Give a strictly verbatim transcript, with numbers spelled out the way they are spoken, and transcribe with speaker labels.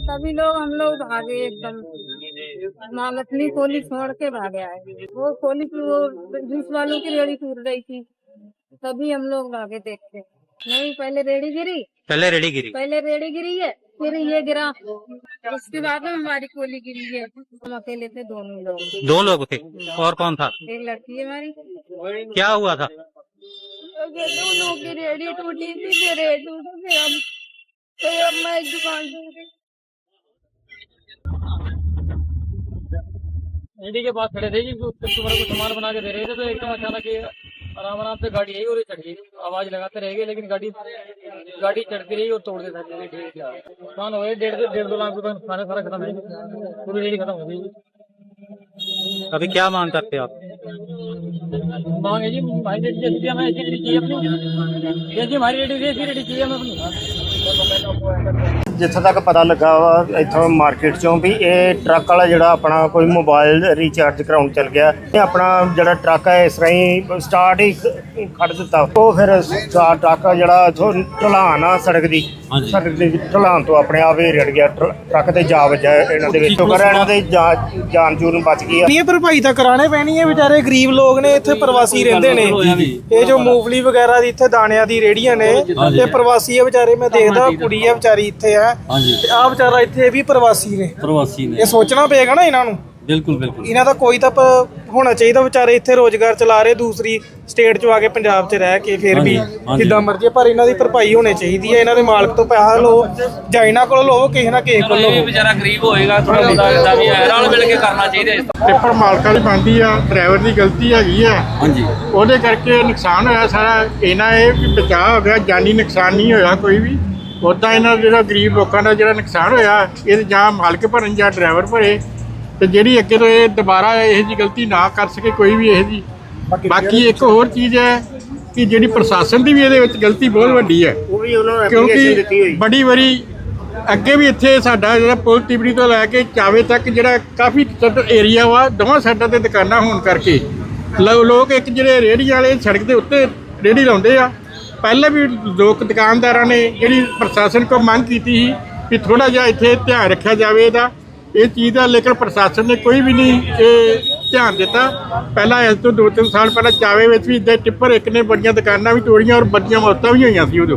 Speaker 1: सभी लोग हम लोग भागे एकदम। माँ मछली खोली छोड़ के भागे आए। वो खोली की वो जूस वालों की रेड़ी टूट रही थी, तभी हम लोग भागे देखते। नहीं, पहले रेड़ी गिरी
Speaker 2: पहले रेडी गिरी
Speaker 1: पहले रेड़ी गिरी है, फिर ये गिरा, उसके बाद में हमारी कोली गिरी है। हम अकेले थे, दोनों लोग।
Speaker 2: दो लोग थे और कौन था?
Speaker 1: एक लड़की है हमारी।
Speaker 2: क्या हुआ था?
Speaker 1: दोनों की रेड़ी टूटी थी, फिर रेड़ी टूटी, फिर हम फिर अब मैं एक दुकान से
Speaker 3: रेडी के पास खड़े थे जी, कस्टमर को सामान बना के दे रहे थे, तो एकदम अचानक ये आराम आराम से गाड़ी आई और ये चढ़ गई। आवाज लगाते रह गए, लेकिन गाड़ी गाड़ी चढ़ती रही और तोड़ देता नुकसान हो गए। डेढ़ डेढ़ दो लाख रुपए नुकसान है, सारा खत्म है, पूरी रेडी खत्म हो गई।
Speaker 2: अभी क्या मांग करते हो आप?
Speaker 3: मांगे जी हमारी रेडी जैसी हमें ऐसी रेडी चाहिए अपनी, जैसी हमारी रेडी थी ऐसी रेडी चाहिए हमें अपनी।
Speaker 4: जिथे तक पता लगा वा इथों मार्केट चों भी ये ट्रक वाला जिहड़ा अपना कोई मोबाइल रिचार्ज कराउण चल गया, ये अपना जिहड़ा ट्रक है इस तरह ही स्टार्ट ही खड़ दिता। वो फिर स्टार ट्रक जिहड़ा इथों ढलान आ सड़क दी सड़क दी ढलान तो अपने आप ही रिड़ गया, ट्रक ते जा वजा इन्हां दे विच। शुकर है इन्हां दे जान जून बच गई।
Speaker 5: ये भरपाई ਤਾਂ ਕਰਾਣੇ ਪੈਣੀ ਹੈ, ਵਿਚਾਰੇ ਗਰੀਬ ਲੋਕ ਨੇ, ਇੱਥੇ ਪ੍ਰਵਾਸੀ ਰਹਿੰਦੇ ਨੇ। ਇਹ ਜੋ ਮੂੰਗਫਲੀ ਵਗੈਰਾ ਦੀ ਇੱਥੇ ਦਾਣਿਆਂ ਦੀ ਰੇੜੀਆਂ ਨੇ, ਇਹ ਪ੍ਰਵਾਸੀ ਹੈ ਵਿਚਾਰੇ। ਮੈਂ ਦੇਖਦਾ ਕੁੜੀ ਹੈ ਵਿਚਾਰੀ ਇੱਥੇ ਹੈ, ਤੇ ਆਹ ਵਿਚਾਰਾ ਇੱਥੇ ਵੀ ਪ੍ਰਵਾਸੀ ਨੇ
Speaker 6: ਪ੍ਰਵਾਸੀ ਨੇ।
Speaker 5: ਇਹ ਸੋਚਣਾ ਪਏਗਾ ਨਾ ਇਹਨਾਂ ਨੂੰ।
Speaker 6: ਬਿਲਕੁਲ ਬਿਲकुल
Speaker 5: ਇਹਨਾਂ ਦਾ ਕੋਈ ਤਾਂ ਹੋਣਾ ਚਾਹੀਦਾ। ਵਿਚਾਰੇ ਇੱਥੇ ਰੋਜ਼ਗਾਰ ਚਲਾ ਰਹੇ, ਦੂਸਰੀ ਸਟੇਟ 'ਚ ਆ ਕੇ ਪੰਜਾਬ 'ਚ ਰਹਿ ਕੇ ਫਿਰ ਵੀ ਜਿੱਦਾਂ ਮਰਜ਼ੀ, ਪਰ ਇਹਨਾਂ ਦੀ ਭਰਪਾਈ ਹੋਣੀ ਚਾਹੀਦੀ ਹੈ। ਇਹਨਾਂ ਦੇ ਮਾਲਕ ਤੋਂ ਪੈਸਾ ਲਓ ਜਾਂ ਇਹਨਾਂ ਕੋਲ ਲਓ, ਕਿਸੇ ਨਾ ਕਿਸੇ ਕੋਲ ਲਓ।
Speaker 6: ਵਿਚਾਰਾ ਗਰੀਬ ਹੋਏਗਾ, ਥੋੜਾ ਬਹੁਤਾ ਇਦਾਂ ਵੀ ਰਲ ਮਿਲ ਕੇ ਕਰਨਾ ਚਾਹੀਦਾ।
Speaker 7: ਟਿੱਪਰ ਮਾਲਕਾਂ ਦੀ ਬਣਦੀ ਆ, ਡਰਾਈਵਰ ਦੀ ਗਲਤੀ ਹੈਗੀ ਆ।
Speaker 6: ਹਾਂਜੀ,
Speaker 7: ਉਹਦੇ ਕਰਕੇ ਨੁਕਸਾਨ ਹੋਇਆ ਸਾਰਾ। ਇਹਨਾਂ ਇਹ ਵੀ ਬਚਾਅ ਹੋ ਗਿਆ, ਜਾਨੀ ਨੁਕਸਾਨ ਨਹੀਂ ਹੋਇਆ ਕੋਈ ਵੀ। ਉੱਦਾਂ ਇਹਨਾਂ ਜਿਹੜਾ ਗਰੀਬ ਲੋਕਾਂ ਦਾ ਜਿਹੜਾ ਨੁਕਸਾਨ ਹੋਇਆ, ਇਹ ਜਾਂ ਮਾਲਕ ਭਰਨ ਜਾਂ ਡਰਾਈਵਰ ਭਰੇ। ਤੇ ਜਿਹੜੀ ਅੱਗੇ ਤੋਂ ਇਹ ਦੁਬਾਰਾ ਇਹੋ ਜਿਹੀ ਗਲਤੀ ਨਾ ਕਰ ਸਕੇ ਕੋਈ ਵੀ ਇਹੋ ਜਿਹੀ। ਬਾਕੀ ਇੱਕ ਹੋਰ ਚੀਜ਼ ਹੈ ਕਿ ਜਿਹੜੀ ਪ੍ਰਸ਼ਾਸਨ ਦੀ ਵੀ ਇਹਦੇ ਵਿੱਚ ਗਲਤੀ ਬਹੁਤ ਵੱਡੀ ਹੈ, ਕਿਉਂਕਿ ਬੜੀ ਵਾਰੀ ਅੱਗੇ ਵੀ ਇੱਥੇ ਸਾਡਾ ਜਿਹੜਾ ਪੁਲ ਤਿਬੜੀ ਤੋਂ ਲੈ ਕੇ ਚਾਵੇ ਤੱਕ ਜਿਹੜਾ ਕਾਫੀ ਏਰੀਆ ਵਾ, ਦੋਵਾਂ ਸਾਈਡਾਂ ਤੇ ਦੁਕਾਨਾਂ ਹੋਣ ਕਰਕੇ ਲੋਕ ਇੱਕ ਜਿਹੜੇ ਰੇਹੜੀਆਂ ਵਾਲੇ ਸੜਕ ਦੇ ਉੱਤੇ ਰੇਹੜੀ ਲਾਉਂਦੇ ਆ। ਪਹਿਲਾਂ ਵੀ ਲੋਕ ਦੁਕਾਨਦਾਰਾਂ ਨੇ ਜਿਹੜੀ ਪ੍ਰਸ਼ਾਸਨ ਕੋਲ ਮੰਗ ਕੀਤੀ ਸੀ ਕਿ ਥੋੜ੍ਹਾ ਜਿਹਾ ਇੱਥੇ ਧਿਆਨ ਰੱਖਿਆ ਜਾਵੇ ਇਹਦਾ, ਇਹ ਚੀਜ਼ ਦਾ, ਲੇਕਿਨ ਪ੍ਰਸ਼ਾਸਨ ਨੇ ਕੋਈ ਵੀ ਨਹੀਂ ਇਹ ਧਿਆਨ ਦਿੱਤਾ। ਪਹਿਲਾਂ ਇਸ ਤੋਂ ਦੋ ਤਿੰਨ ਸਾਲ ਪਹਿਲਾਂ ਚਾਵੇ ਵਿੱਚ ਵੀ ਇੱਦਾਂ ਟਿੱਪਰ ਇੱਕ ਨੇ ਬੜੀਆਂ ਦੁਕਾਨਾਂ ਵੀ ਤੋੜੀਆਂ ਔਰ ਬੜੀਆਂ ਮੌਤਾਂ ਵੀ ਹੋਈਆਂ ਸੀ ਉਦੋਂ।